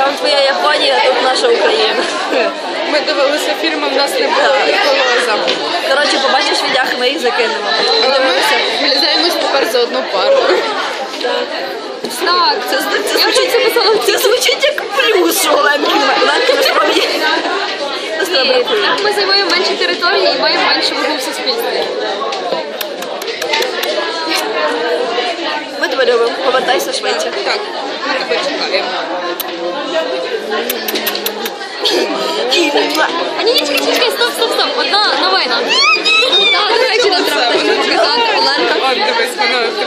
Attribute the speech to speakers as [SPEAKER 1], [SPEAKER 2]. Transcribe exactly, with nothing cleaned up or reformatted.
[SPEAKER 1] Там твоя Японія, тут наша Україна.
[SPEAKER 2] Ми дивилися фільми, в нас не було колоза.
[SPEAKER 1] Коротше, побачиш відях, ми їх закинемо.
[SPEAKER 2] Але ми влізаємось тепер за одну пару.
[SPEAKER 1] Так, це, це, звучить, це звучить як плюс, що Оленки насправді.
[SPEAKER 3] Ні, так ми займаємо менші території і маємо меншу вагу в суспільстві.
[SPEAKER 1] Ми тебе любимо, повертайся швидше.
[SPEAKER 2] Так, ми тебе чекаємо.
[SPEAKER 3] А ні, ні, чекай, чекай, стоп, стоп, стоп. Одна новина. Так, до речі, нам треба дещо показати. Оленка.
[SPEAKER 2] От, дивись, воно